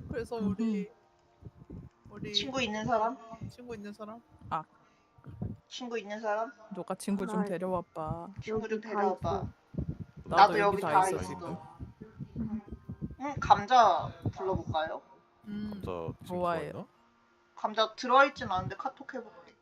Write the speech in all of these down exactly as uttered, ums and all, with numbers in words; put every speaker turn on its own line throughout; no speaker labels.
그래서 우리 우리
친구 있는 사람?
친구 있는 사람?
친구 있는 사람?
너가 친구 좀
나
데려와봐.
친구 좀
여기 다
데려와봐.
있어.
나도,
나도
여기
여기
다,
다
있어,
있어.
지금.
응, 감자 불러볼까요?
음.
감자 지금
좋아요.
들어있나?
감자 들어있진 않은데 카톡 해볼게.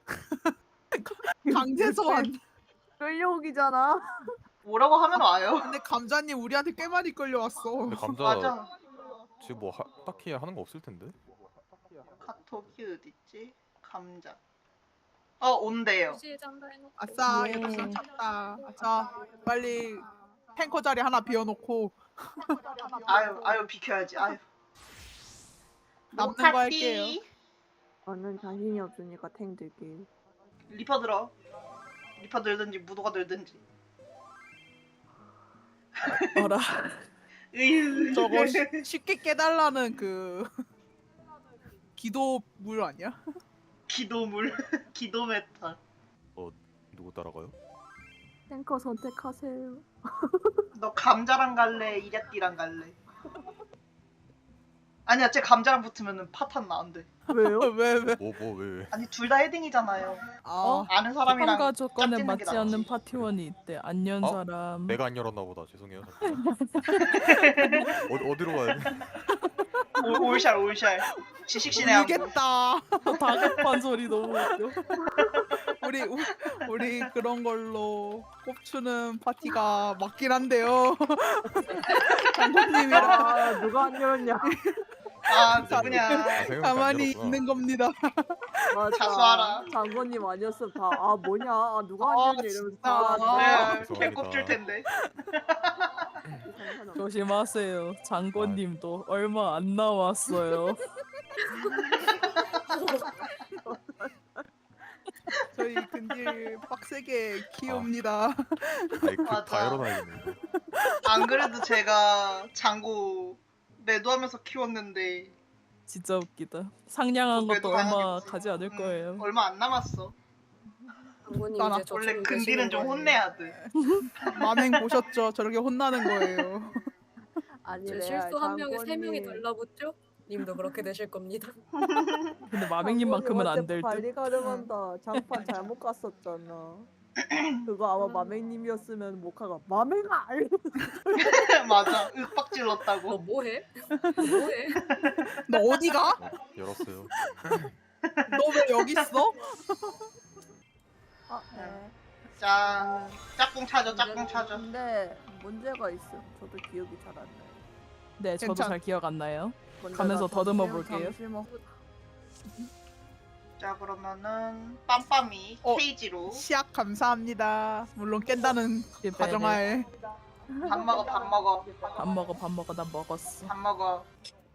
강제 소환.
끌려오기잖아.
뭐라고 하면 와요.
근데 감자님 우리한테 꽤 많이 끌려왔어.
근데 감자
맞아.
지금 뭐 하, 딱히 하는 거 없을 텐데.
카톡이 어딨지? 감자. 어 온대요.
아싸,
예.
역시 찾다. 아싸, 빨리 탱커 자리 하나 비워놓고
아유 아유 비켜야지. 아유.
남는 거
노카티.
할게요.
저는 자신이 없으니까 탱 들게요.
리퍼 들어. 리퍼 들든지 무도가 들든지.
어라.
으유.
저거 쉬, 쉽게 깨달라는 그 기도물 아니야?
기도물. 기도 메타.
어 누구 따라가요?
탱커 선택하세요.
너 감자랑 갈래? 이랴띠랑 갈래? 아니야, 쟤 감자랑 붙으면은 파탄 나안돼.
왜요?
왜 왜?
뭐 뭐 왜 왜?
아니 둘 다 헤딩이잖아요.
아,
아는 사람이랑
참가 조건에
짝짓는 게
맞지 않는
낫지.
파티원이 있대. 안 연
어?
사람.
내가 안 열었나 보다. 죄송해요. 어, 어디로 가야 돼?
올- 올샬 올샬. 지식신의 항구.
울겠다.
다급한 소리 너무 웃겨.
우리 우, 우리 그런 걸로 꼽추는 파티가 맞긴 한데요. 장군님이랑
아 누가 안 열었냐?
아 누구냐.
아, 생각보다 안
가만히
열었구나.
있는 겁니다.
맞아.
자수하라.
장관님 아니었으면 다 아 뭐냐? 아, 누가 안
아,
열었냐 이러면서
진짜.
다
아,
네,
죄송합니다.
개꼽줄 텐데.
이상하잖아.
조심하세요. 장군님도 얼마 안 남았어요.
저희 근딜 빡세게 키웁니다.
아이
맞아.
그다 열어놔야겠네. 이거.
안 그래도 제가 장고 매도하면서 키웠는데
진짜 웃기다. 상냥한
그래도
것도 얼마
당연히
가지 않을
음,
거예요.
얼마 안 남았어.
장군님
나나
이제 저
원래
지금
근딜은
계시는
좀
거예요.
혼내야 돼.
만행 보셨죠? 저렇게 혼나는 거예요.
아니
저
레알
실수 한 명에 세 명이
장관님.
달라붙죠? 님도 그렇게 되실 겁니다.
근데 마맹님만큼은 안 될 듯.
관리 가능한다. 장판 잘못 갔었잖아. 그거 아마 마맹님이었으면 모카가 마맹아.
맞아. 윽박
너
질렀다고.
뭐해? 너 뭐해?
너 어디 가?
어, 열었어요.
너 왜 여기 있어?
아 네.
자, 짝꿍 찾아, 짝꿍 찾아.
근데 문제가 있어. 저도 기억이 잘 안 나요.
네, 저도
괜찮-
잘 기억 안 나요.
근데
가면서
나
더듬어
잠시-
볼게요.
잠시만.
자, 그러면은 빰빰이
어.
케이지로
시약 감사합니다. 물론 깬다는
네,
가정하에.
밥 먹어, 밥 먹어,
밥 먹어, 밥 먹어, 나 먹었어.
밥 먹어.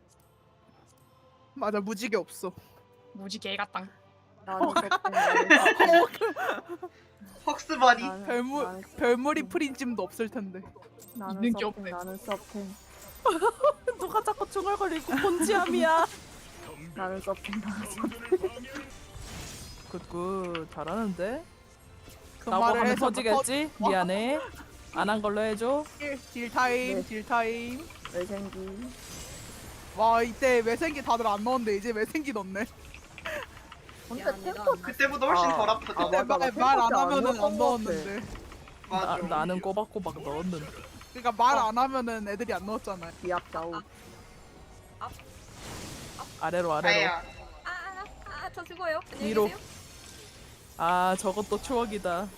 맞아, 무지개 없어.
무지 개같당.
나는 서핑, 나는 서핑,
헉스버리.
나는-
별물
나는 서핑,
별물이 프린찜도 없을 텐데.
나는
있는 게
서핑,
없네.
나는 서핑,
누가 자꾸 중얼거리고 본지함이야.
나는 서핑, 나는 서핑.
굿굿 잘하는데?
그
라고
말을
하면
해서
터지겠지? 미안해. 안 한 걸로 해줘.
딜, 딜 타임,
네.
딜 타임.
외생기.
와, 이때 매생기 다들 안 넣었는데 이제 매생기 넣네.
근데
미안합니다.
템포
그때보다 훨씬
아,
덜 아프죠.
아, 맞아. 나
말 안
템포 안
하면은
넣었던
안
것
넣었는데.
나,
맞아.
나는 꼬박꼬박 넣었는데.
그러니까 말 안 하면은 애들이 안 넣었잖아.
기압 좌우.
아래로 아래로.
아야.
아아저 죽어요. 안녕히
위로.
계세요.
아 저것도 추억이다.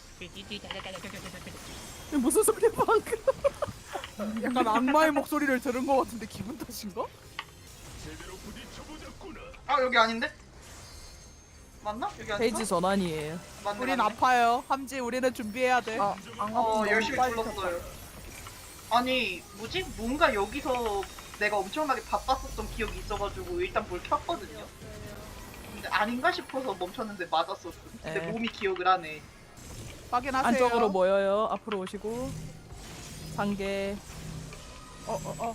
무슨 소리야 방금?
약간 악마의 목소리를 들은 것 같은데 기분 탓인가?
아 여기 아닌데? 맞나? 여기 아닌가?
페이지 전환이에요.
맞네,
우린
맞네.
아파요. 함지 우리는 준비해야 돼.
아, 안
어
가면
열심히
빨리
불렀어요. 아니 뭐지? 뭔가 여기서 내가 엄청나게 바빴었던 기억이 있어가지고 일단 뭘 켰거든요. 근데 아닌가 싶어서 멈췄는데 맞았었어. 근데
에.
몸이 기억을 하네.
확인하세요.
안쪽으로 모여요. 앞으로 오시고. 상계.
어, 어, 어.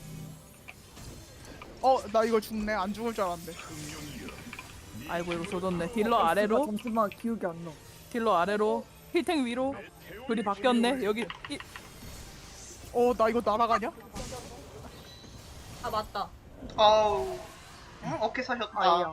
어, 나 이거 죽네. 안 죽을 줄 알았는데.
아이고 이거 조졌네. 딜러 아래로.
잠시만 기억이 안 나.
딜러 아래로. 힐탱 위로. 불이 바뀌었네. 여기 이,
어, 나 이거 날아가냐?
아 맞다.
아우. 응? 어깨 사셨다.
아니야.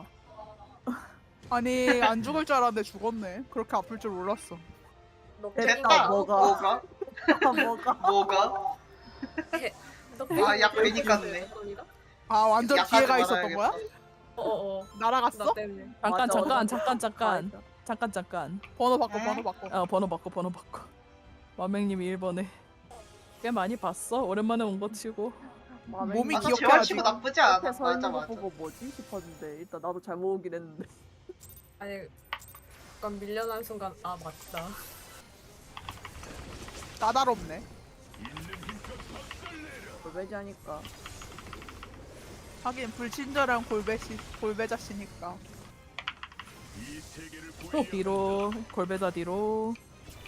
아니 안 죽을 줄 알았는데 죽었네. 그렇게 아플 줄 몰랐어.
됐다.
뭐가?
뭐가?
아, 뭐가?
뭐가? 아, 약 괜히 깠네.
아 완전
약하지
기회가 있었던
말아야겠다.
거야?
어어.
날아갔어?
나 때문에.
잠깐
맞아,
잠깐
맞아.
잠깐 잠깐
맞아.
잠깐 잠깐.
번호 바꿔
응?
번호 바꿔.
어 번호 바꿔 번호 바꿔. 마맹님이 일 번에. 꽤 많이 봤어. 오랜만에 온 거 치고.
몸이
맞아,
기억해야지.
재활치고 나쁘지 않아.
앞에 서
맞아,
있는 거
맞아.
보고 뭐지 싶었는데 일단 나도 잘못 오긴 했는데.
아니 약간 밀려난 순간 아 맞다.
까다롭네.
골배자니까.
하긴 불친절한 골배시 골배자씨니까.
또 뒤로 골배자 뒤로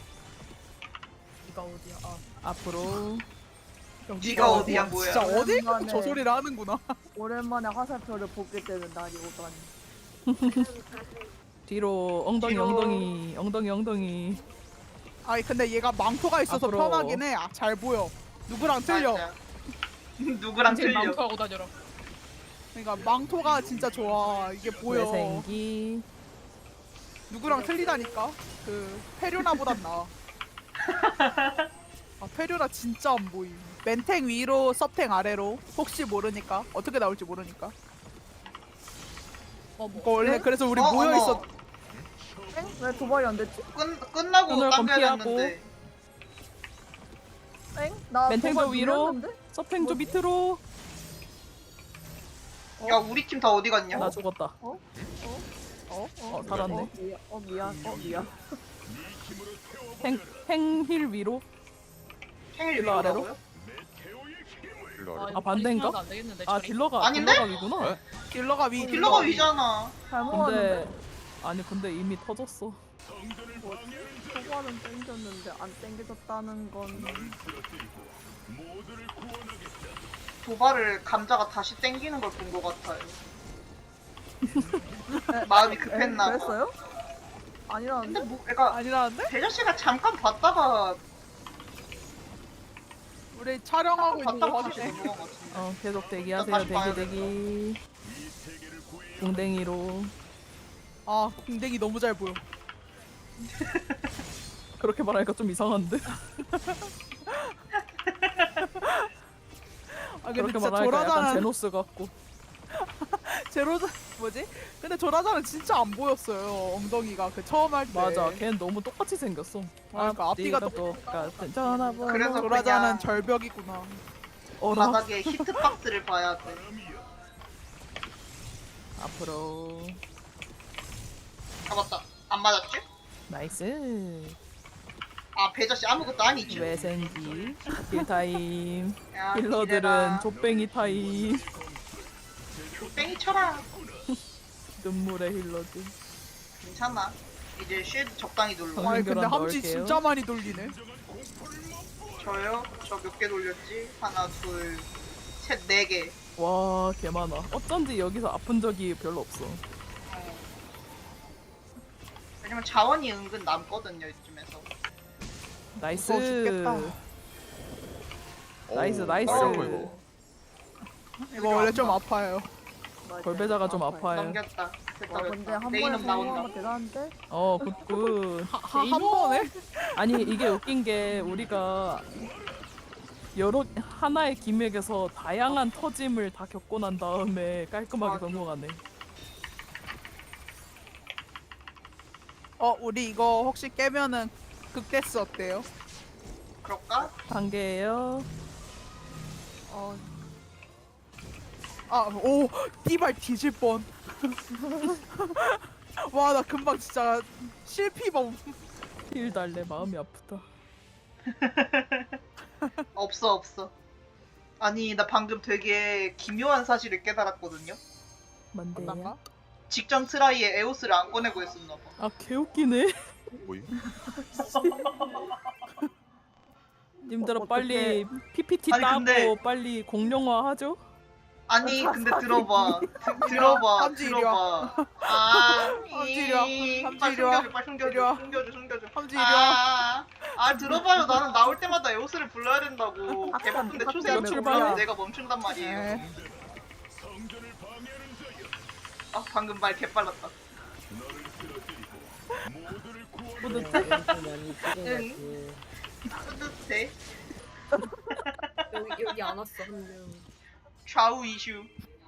이가 어디야? 아
앞으로.
네가 어디야, 뭐야?
진짜 어딜 가서
오랜만에.
저 소리를 하는구나.
오랜만에 화살표를 보게 되는 날이 오다니.
뒤로 엉덩이
뒤로.
엉덩이 엉덩이 엉덩이.
아니 근데 얘가 망토가 있어서
앞으로.
편하긴 해. 아, 잘 보여. 누구랑 틀려.
맞아. 누구랑 틀려.
망토하고 다녀라.
그러니까 망토가 진짜 좋아. 이게 보여.
외생기.
누구랑 틀리다니까. 그 페류나보단 나아. 아 페류나 진짜 안 보임. 맨탱 위로 서탱 아래로. 혹시 모르니까. 어떻게 나올지 모르니까.
어머.
이거 원래 그래서 우리
어,
모여
어머.
있었.
엥? 왜 도발이 안 됐지?
끝, 끝나고
오늘
당겨야
검피하고.
됐는데.
엥? 나
멘탱도
도발
위로.
눌렸는데?
서팽조 밑으로.
야, 우리 팀 다 어디 갔냐?
나 죽었다.
어?
어 살았네.
어, 미안. 어 미안. 어 미안.
행 행힐 위로.
생일
일로 아래로?
위로라고요?
일로 아래.
아 반대인가? 아 딜러가
아닌데?
딜러가 위구나.
네?
딜러가 위.
딜러가 위잖아.
잘못 왔는데.
근데 아니 근데 이미 터졌어.
도발은 땡겼는데 안 땡겨졌다는 건.
도발을 감자가 다시 땡기는 걸 본 것 같아요. 마음이
에?
급했나 봐.
그랬어요? 아니라는데?
근데 뭐, 애가
아니라는데?
대저 씨가 잠깐 봤다가
우리 촬영하고 있는 거
봤다가 다시
확인해.
넘어간 것 같은데.
어 계속 대기하세요.
다시
대기
봐야
대기. 궁뎅이로.
아 궁뎅이 너무 잘 보여.
그렇게 말하니까 좀 이상한데.
아 근데
그렇게
진짜
말하니까 약간
조라자는
제노스 같고.
제로자 뭐지? 근데 조라자는 진짜 안 보였어요. 엉덩이가 그 처음 할 때.
맞아. 걔는 너무 똑같이 생겼어.
그러니까 앞뒤가
앞뒤가 똑같은 전화번호.
그래서
조라자는
그냥
절벽이구나.
어라.
바닥에 히트박스를 봐야 돼.
앞으로.
잡았다. 안 맞았지?
나이스.
아, 배저 씨 아무것도 아니지.
외생기. 딜타임.
야,
힐러들은
기대라.
족뱅이 타임.
땡이 쳐라.
눈물의 힐러들.
괜찮아. 이제 쉴드 적당히 눌러.
아니 근데
연결한
함지
넣을게요.
진짜 많이 돌리네.
저요? 저 몇 개 돌렸지? 하나, 둘, 셋, 네 개.
와, 개 많아. 어쩐지 여기서 아픈 적이 별로 없어.
어. 왜냐면 자원이 은근 남거든요, 이쯤에서.
나이스.
무서워 죽겠다.
나이스,
어우,
나이스.
빨갛고 이거.
이거 원래 좀 아파요.
맞아.
골배자가 좀
아파요.
아파요.
넘겼다. 됐다,
와 근데
됐다.
한
내
번에
이름 나온다.
성공하면 대단한데?
어, 굿굿.
하, 한 번에?
아니, 이게 웃긴 게 우리가 여러 하나의 기믹에서 다양한 터짐을 다 겪고 난 다음에 깔끔하게
맞아.
성공하네.
어 우리 이거 혹시 깨면은 극데스 어때요?
그럴까?
단계예요.
어. 아, 오, 띠발 뒤질 뻔. 와, 나 금방 진짜 실피범.
힐 달래 마음이 아프다.
없어, 없어. 아니, 나 방금 되게 기묘한 사실을 깨달았거든요.
만대야.
맞나?
직전 트라이에 에오스를 안 꺼내고 했었나봐.
아, 개웃기네.
뭐임?
님들아
어떡해.
빨리 피피티
아니,
따고
근데-
빨리 공룡화 하죠?
아니, 근데 들어봐. 드, 들어봐.
함지 이리
들어봐. 아,
함지 이리 와.
이-
함지
빨리
이리 와.
숨겨줘, 빨리
이리 와.
숨겨줘, 숨겨줘, 숨겨줘.
함지 이리 와.
아, 아, 들어봐요. 나는 나올 때마다 에오스를 불러야 된다고.
아까
개바쁜데
아까
초세한
출발해?
출발은 내가 멈춘단 말이에요.
네.
아 방금 말 개빨랐다.
뿌듯해?
응. 뿌듯해.
여기 여기 안 왔어 한 명.
좌우 이슈.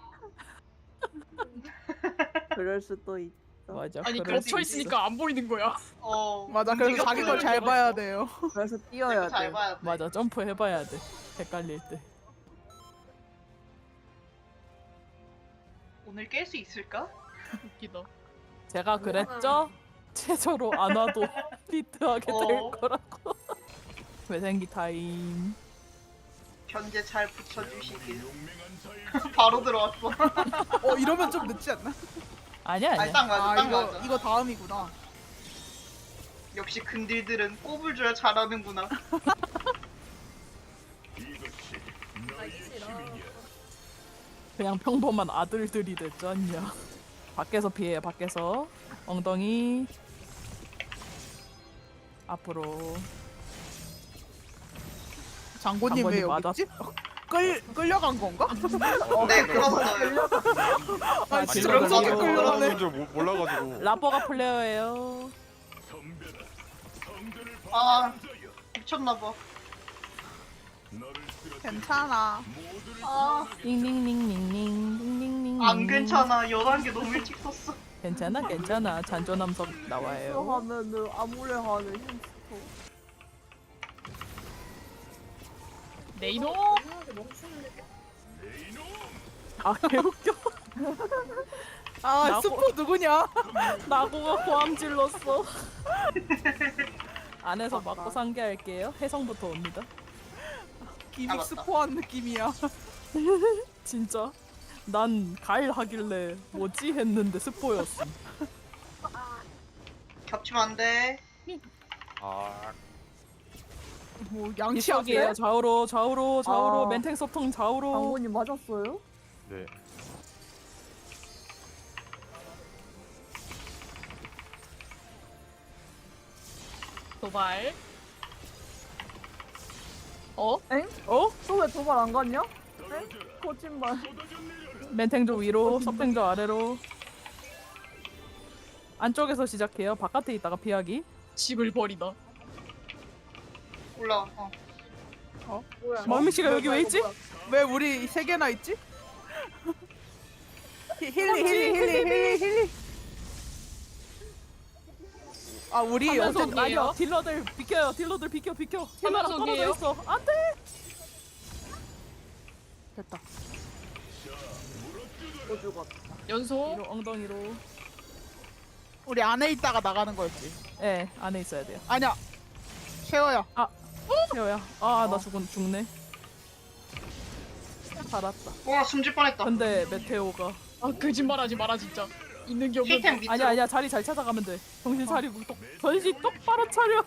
그럴 수도 있어.
맞아.
아니
그럴
겹쳐
수
있으니까 안 보이는 거야.
어.
맞아. 그래서
네가
자기 걸 잘
보여줘야지.
봐야 돼요.
그래서
내가
뛰어야
잘
돼.
봐야 돼.
맞아. 점프 해봐야 돼. 헷갈릴 때.
오늘 깰 수 있을까?
웃기다.
제가 그랬죠? 최저로 안 와도 비트하게 될
어.
거라고. 외생기 타임.
견제 잘 붙여주시길. 바로 들어왔어.
어 이러면 좀 늦지 않나?
아니야
아니
아니야.
딱 맞아,
아
딱
이거
맞아.
이거 다음이구나.
역시 근딜들은 꼽을 줄 잘하는구나.
나이스라.
그냥 평범한 아들들이 됐지 않냐. 밖에서 피해요. 밖에서. 엉덩이. 앞으로.
장군님 왜
장군님
여기 있지? 끌 끌려간 건가?
네, 그렇어요.
아
아니,
진짜
끌려가는
명석이
거.
끌려가네.
줄 몰라가지고.
라퍼가 플레이어예요.
아, 미쳤나봐.
괜찮아.
아,
닝닝닝닝닝.
안 괜찮아. 열한 개 너무 일찍 썼어.
괜찮아 괜찮아. 잔존함석 나와요.
하면은 아무래 하는 햄스터.
네이노.
이상하게 멈추는데.
아 개웃겨.
아
나고-
스포 누구냐?
나고가 고함 질렀어. 안에서
맞다.
맞고 상계할게요. 해성부터 옵니다.
기믹
맞다.
스포한 느낌이야.
진짜 난 가일 하길래 뭐지 했는데 스포였어.
겹치면 안 돼.
아,
뭐 양치
이쪽이에요.
앞에?
좌우로 좌우로 좌우로
아.
멘탱 소통 좌우로.
장군님 맞았어요?
네.
도발. 어?
엥?
어?
또 왜 도발 안 갔냐? 엥? 거짓말.
멘탱조 위로, 석탱조 아래로. 안쪽에서 시작해요. 바깥에 있다가 피하기.
집을 버리다.
올라와. 어.
뭐야?
마미 씨가 여기 왜 있지?
왜 우리 세 개나 있지? 히- 힐리 힐리 힐리 힐리 힐리. 아 우리
화면석
어제
아니야?
아니요. 딜러들 비켜요. 딜러들 비켜 비켜. 힐러랑
화면석이에요?
떨어져 있어. 안돼. 됐다.
또 죽었다.
연속.
위로 엉덩이로.
우리 안에 있다가 나가는 거였지.
예, 네, 안에 있어야 돼요.
아니야. 쉐어야.
태호야. 아, 나
어.
죽은 죽네. 살았다.
와, 숨질 뻔했다.
근데 메테오가
아 거짓말하지 마라 진짜. 있는 게 없는.
힐템 밑으로.
아니야 아니야 자리 잘 찾아가면 돼. 정신 차리고 똑 정신 똑바로 차려.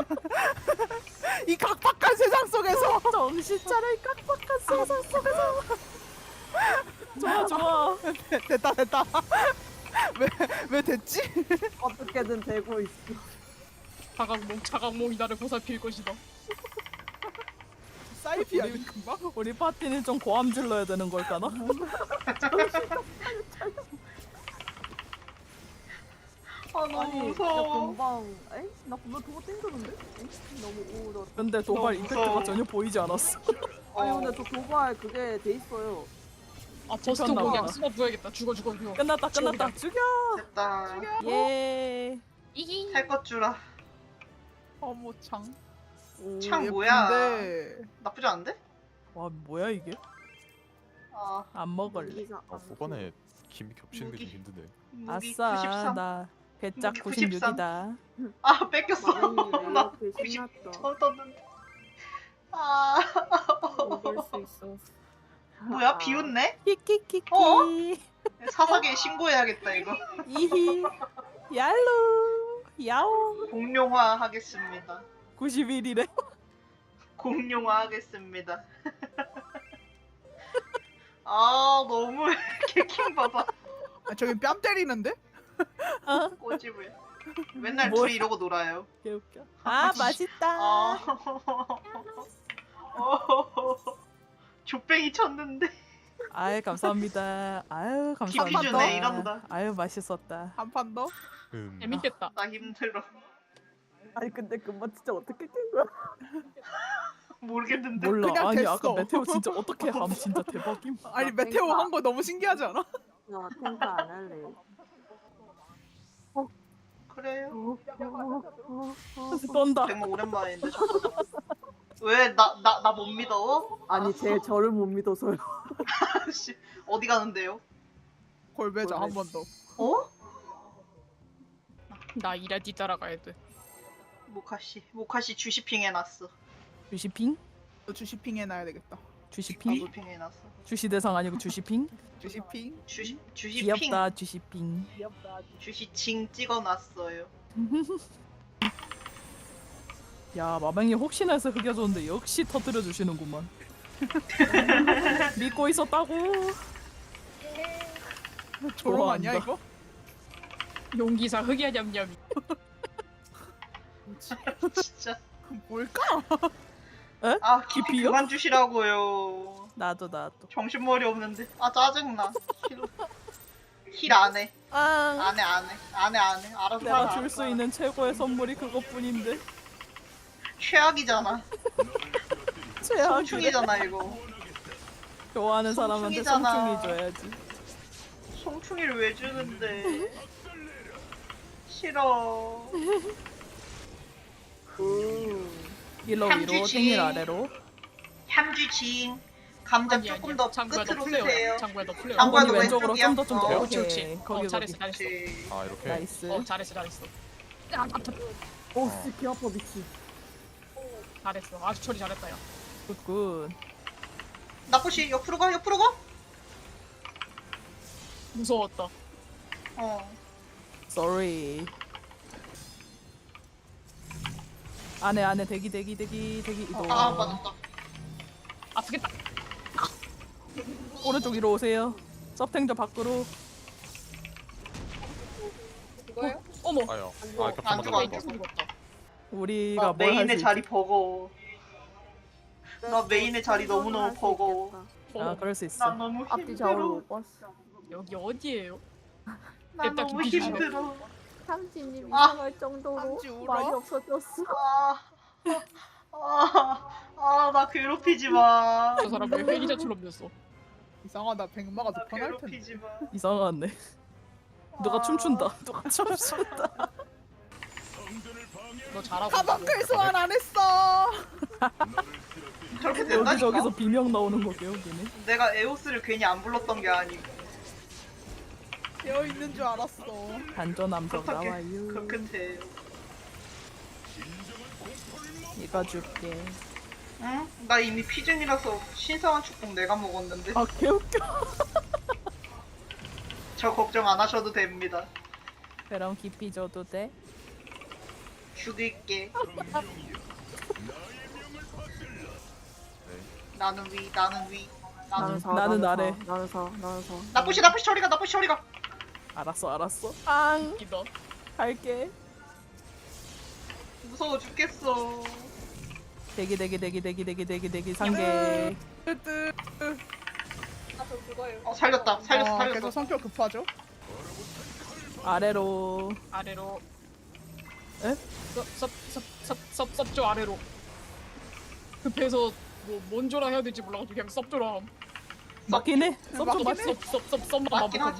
이 각박한 세상 속에서.
정신 차려 이 깍박한 세상 속에서. 좋아 좋아.
됐다 됐다. 왜 왜 됐지?
어떻게든 되고 있어.
자각몽 자각몽이 나를 보살필 것이다.
사이피야 금방.
우리 파티는 좀 고함 질러야 되는 걸까나?
아, 너무
아니,
무서워.
금방. 에? 나 금방 도구 땡겼는데? 에? 너무 우울하다.
근데 도발
너무
이펙트가
무서워.
전혀 보이지 않았어.
아니
어.
근데 저 도발 그게 돼 있어요.
아 버스터
죽였나
그냥
보다.
숨어 부어야겠다. 죽어 죽어 죽어.
끝났다 끝났다. 죽여.
됐다.
예.
이기.
살 것 주라.
어머 창. 오,
창 뭐야?
예쁜데.
나쁘지 않은데?
와 뭐야 이게?
아,
안 먹을래.
무기가
아 후반에 김이 겹치는 게 좀
무기.
힘드네.
무기
아싸
구십삼.
나 배짝
무기 구십삼.
구십육이다.
아, 뺏겼어.
마음이
나
왜 이렇게 신났다.
저 떴는데. 아,
먹을 수 있어.
뭐야? 비웃네?
키키키키.
어? 사사기에 신고해야겠다, 이거.
이히. 얄로. 야옹.
공룡화 하겠습니다.
구십일이래.
공룡화 하겠습니다. 아, 너무 개킹 봐봐.
아, 저기 뺨 때리는데?
어?
꼬집을. 맨날
뭐야?
둘이 이러고 놀아요.
개웃겨. 아 맛있다.
아. 어. 조뱅이 쳤는데.
아유 감사합니다. 아유
깊이
감사합니다.
주네, 이런다.
아유 맛있었다.
한 판 더?
음.
재밌겠다.
나 힘들어.
아니 근데 금방 진짜 어떻게 깬 거야?
모르겠는데.
몰라.
그냥
아니
됐어.
아까 메테오 진짜 어떻게 함 진짜 대박임.
아니 메테오 한 거 너무 신기하지 않아?
나 탱크 안 할래.
그래요.
떤다.
정말 오랜만인데. 왜 나 나 나 못 믿어?
아니 제 저를 못 믿어서요.
씨 어디 가는데요?
골배자 한 번 더.
어?
나 이라디 따라가야 돼.
모카씨 모카씨 주시핑 해놨어.
주시핑?
너 주시핑 해놔야 되겠다.
주시핑?
나도핑 해놨어.
주시 대상 아니고 주시핑?
주시핑?
주시 주시핑
귀엽다 주시핑.
주시칭 찍어놨어요.
야 마맹이 혹시나 해서 흑여줬는데 역시 터뜨려 주시는구만. 믿고 있었다고.
조롱 아니야
좋아한다.
이거?
용기사 흑야 냠냠이.
진짜.
뭘까?
아 깊이
깊이요?
그만 주시라고요.
나도 나도.
정신머리 없는데. 아 짜증나. 힐 안 해.
아
안 해, 안 해. 안 해, 안 해. 알아서
내가
살아,
줄 수
알아서
있는 최고의 선물이 그것뿐인데.
살아. 최악이잖아.
최악이래.
송충이잖아, 이거.
좋아하는 사람한테
송충이잖아.
성충이 줘야지.
송충이를 왜 주는데? 싫어.
위로 위로
향주지.
땡일 아래로.
향주징. 감자
아니
조금
아니야.
더
장구야 너
끝으로
플레어야.
쓰세요.
장구야 너 플레어.
장구야,
어머니
너
왼쪽으로
왼쪽이야?
좀 더 좀 더.
어,
오케이.
그렇지, 그렇지.
거기
어, 잘했어,
거기.
잘했어.
그렇지.
아 이렇게.
나이스.
어 잘했어, 잘했어.
오, 씨, 개 아파 미치.
잘했어. 아주 처리 잘했다 야.
굿굿.
나쁘시 옆으로 가, 옆으로 가.
무서웠다.
어.
Sorry. 안에 안에 대기 대기 대기 대기 이동.
아 맞았다.
아프겠다.
오른쪽 위로 오세요. 서탱저 밖으로.
그거요?
어머.
아요.
죽어.
아
안
겹쳐
죽어,
맞아.
안 죽어.
죽었다.
우리가
나
뭘 할 수
메인의
있지?
자리 버거워. 나 메인의 자리 너무너무 버거워.
아
어,
그럴 수
나
있어.
너무
앞뒤 좌우를
힘들어.
못 봤어.
여기 어디예요?
나
됐다,
너무
김치 주시네.
힘들어.
삼진님
아,
이상할 정도로
삼지 울어?
말이 없어졌어.
아, 아, 아, 나 괴롭히지 마.
저 사람 왜 회기자처럼 됐어?
이상하다. 백마가
나
더 편할 텐데.
괴롭히지 마.
이상하네. 누가
아.
춤춘다. 누가 춤춘다.
너 잘하고
가방클 소환 안 했어.
저렇게
여기
된다니까.
저기서 비명 나오는 거 개웃기네.
내가 에오스를 괜히 안 불렀던 게 아니고.
되어 있는 줄 알았어.
단전함정
그렇게
나와요.
그렇게 돼.
이거 줄게.
응? 나 이미 피즌이라서 신성한 축복 내가 먹었는데.
아 개웃겨.
저 걱정 안 하셔도 됩니다.
그럼 깊이 줘도 돼?
죽일게. 나는 위, 나는 위. 나는
나는 사,
나는
사,
아래.
나는 사, 나는 사.
나쁘시 나쁘시 처리가 나쁘시 처리가.
알았어 알았어. 앙
웃기다.
갈게.
무서워 죽겠어.
대기 대기 대기 대기 대기 대기 대기 상계.
뜨뜨.
아저 그거요.
어 살렸다. 살렸어
어,
살렸어.
계속 성격 급하죠?
아래로.
아래로.
에?
섭섭섭섭섭섭조 아래로. 급해서 뭐 뭔조라 해야 될지 몰라가지고 그냥 섭조라 함.
맞긴 해. 섭좀
맞긴
맞.
해.
섭섭섭섭만
맞긴 하지.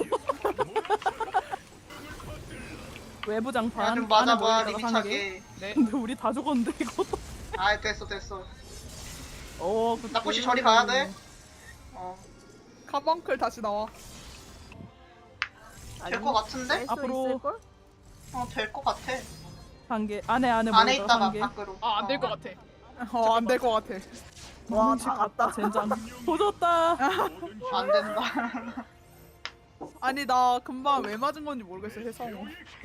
외부 장판.
야 좀 맞아
안에
봐
모이다가 한 개.
리비차게.
네.
근데 우리 다 죽었는데 이거.
아 됐어 됐어.
어. 그-
나쁘시 저리 가야 돼. 어.
가방클 다시 나와.
될 것 같은데?
앞으로.
걸?
어 될 것 같아.
한 개. 안에 안에
안에
모이다가
있다가
한 개.
밖으로.
아 안 될
어.
것 같아.
어, 안 될 것 같아.
와, 다 갔다.
젠장. 보졌다.
안 된다.
아니 나 금방 왜 맞은 건지 모르겠어 혜성우.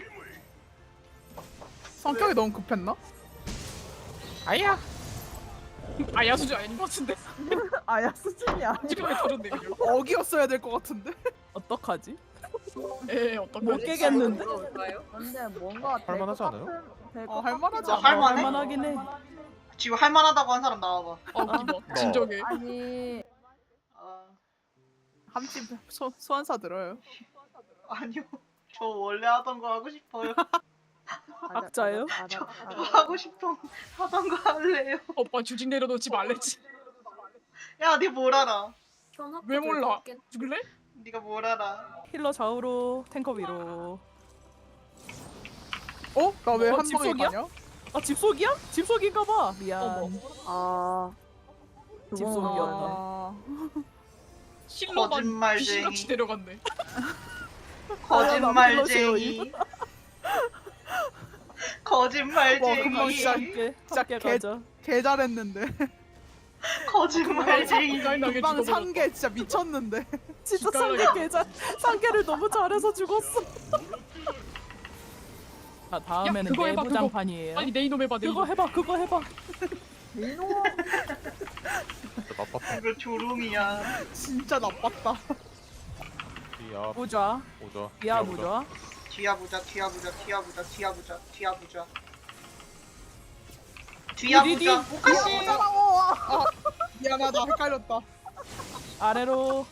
성격이 너무 급했나?
아야. 아야 수준 아닌 것 같은데.
아야 수준이 아니야.
찌르게 터졌네 그냥.
어기였어야 될 것 같은데.
어떡하지?
에 어떤
못
거지?
깨겠는데?
뭘까요?
근데 뭔가
할만하지 않아요?
어, 할만하지
않아. 할만해?
할만하긴 해.
지금 할만하다고 한 사람 나와봐.
어 기봐. 진정해.
아니
아,
함집 소, 소환사 들어요.
아니요. 저 원래 하던 거 하고 싶어요.
각자예요?
알아,
저
알아,
저
알아.
하고 싶은 하던 거 할래요.
오빠 주직 내려놓지 말랬지.
야, 네 뭘 알아?
현학도
왜 몰라?
될것 같긴-
죽을래?
네가 뭘 알아?
힐러 좌우로 탱커 위로.
어? 나 왜
어,
한 방에
집속이야?
가냐?
아 집속이야? 집속인가봐. 미안.
어머.
아.
집속이었다.
아,
실로만
거짓말쟁이.
귀신같이 데려갔네.
거짓말쟁이.
와,
거짓말쟁이.
금방 시작.
함께
진짜
함께
개-
가자.
개 잘했는데.
거짓말쟁이.
당하게
금방
죽어버렸다.
상계 진짜 미쳤는데.
진짜
기깔나게
상계 개잘 상계를 너무 잘해서 죽었어. 아 다음에는
그거 해봐,
내부
그거.
장판이에요.
빨리 내 이놈 해봐 내
그거
이놈.
해봐 그거 해봐.
이놈아.
진짜 나빴다.
이거 조롱이야.
진짜 나빴다.
이야
무좌
오자.
미아 무좌.
뒤야 보자, 뒤야 보자, 뒤야 보자, 뒤야 보자, 뒤야 보자. 뒤야
디디디.
보자. 오카시.
아, 미안하다. 헷갈렸다.
아래로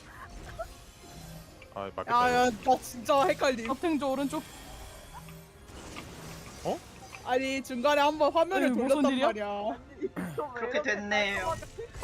아 맞겠다.
야야, 나 진짜 헷갈림.
협탱조 오른쪽.
아니 중간에 한번 화면을
아니, 무슨
돌렸단
일이야?
말이야.
그렇게 됐네요.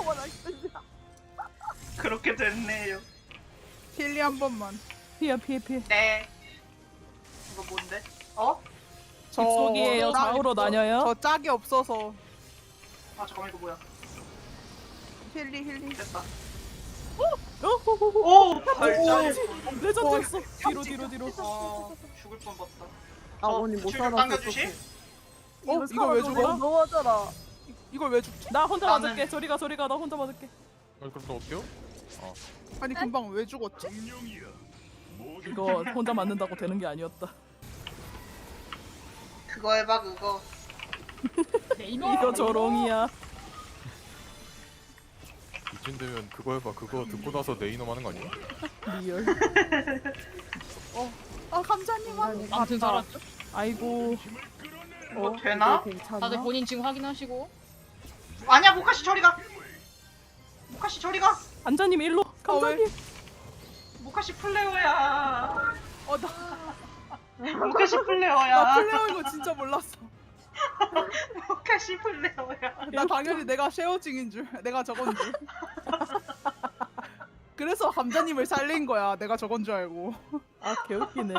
그렇게 됐네요.
힐리 한 번만.
피해 피해 피해.
네. 이거 뭔데? 어?
저
집속이에요.
짝-
좌우로 나뉘어요.
저 짝이 없어서.
아 잠깐만 이거 뭐야?
힐리 힐리.
됐다.
어호호호.
오 발전.
레전드였어. 뒤로 뒤로 뒤로.
아 죽을 뻔봤다.
아, 언니 못
줄
살았어.
당겨주시?
어? 이걸 왜 죽어?
너무하잖아.
이걸 왜 죽지?
나 혼자
나는-
맞을게. 저리가 저리가 나 혼자 맞을게.
아, 그럼 또 어때요?
아니 금방 왜 죽었지?
이거 혼자 맞는다고 되는 게 아니었다.
그거 해봐 그거.
내 이놈.
이거 조롱이야.
이쯤 되면 그거 해봐. 그거 듣고 나서 내 이놈 하는 거 아니야?
리얼.
아 감자님 한.
아무튼 살았죠?
아이고.
이거 되나?
이거 괜찮아?
다들 본인 지금 확인하시고.
아니야 모카시 저리 가. 모카시 저리 가.
안자님 일로. 감자님.
모카시 플레어야.
어나
모카시
나
플레어야.
플레어인 거 진짜 몰랐어.
모카시 플레어야.
나 당연히 내가 쉐어징인 줄. 내가 저건 줄. 그래서 감자님을 살린 거야. 내가 저건 줄 알고.
아 개웃기네.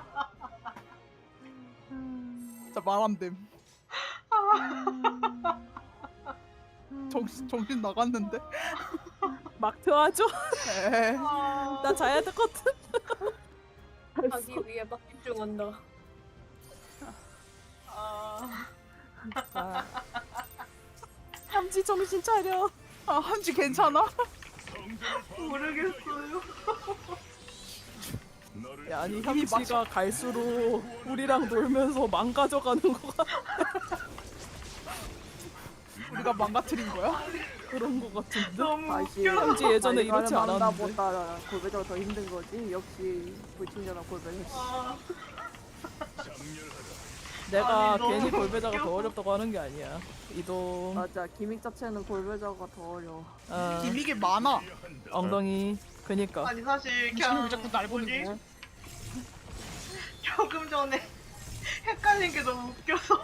진짜 말 안 됨. 정신 정신 나갔는데.
막 트하죠?
에이.
나 자야 되거든.
하기 위해 막 집중한다.
아,
아. 함지 정신 차려.
아 한지 괜찮아?
모르겠어요.
야, 아니
이미
함지가 갈수록 우리랑 놀면서 망가져가는 거 같아.
우리가 망가뜨린 거야?
그런 거 같은데.
너무
다시
웃겨.
함지 예전에 이렇지 않았는데.
만나보다 골배가 더 힘든 거지. 역시 불친절한 골배.
아,
내가
아니, 너무
괜히 골배자가
웃겨.
더 어렵다고 하는 게 아니야. 이동.
맞아. 기믹 자체는 골배자가 더 어려워.
어,
기믹이 많아.
엉덩이. 그니까.
아니 사실
지금
그냥
왜 자꾸 날 보는
뭐지?
거야?
조금 전에 헷갈린 게 너무 웃겨서.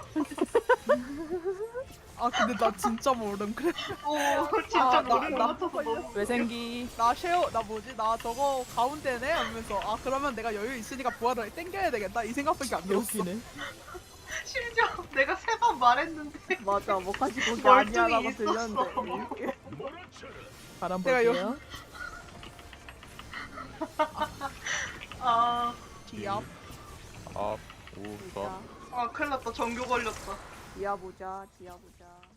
아 근데 나 진짜 모름. 그래
오 진짜
아, 나-
머리
나-
맞춰서 너무.
외생기.
나 쉐어 나 뭐지 나 저거 가운데네 하면서 아 그러면 내가 여유 있으니까 부활을 땡겨야 되겠다 이 생각밖에 안 들었어.
개웃기네.
심지어 내가 세 번 말했는데
맞아. 뭐까지 거기
멀쩡히
아니야라고
있었어.
들렸는데.
바람
내가 요-
볼게요.
아,
디압.
아 오자.
아 큰일 났다 전교 걸렸다.
지하 보자. 지하 보자.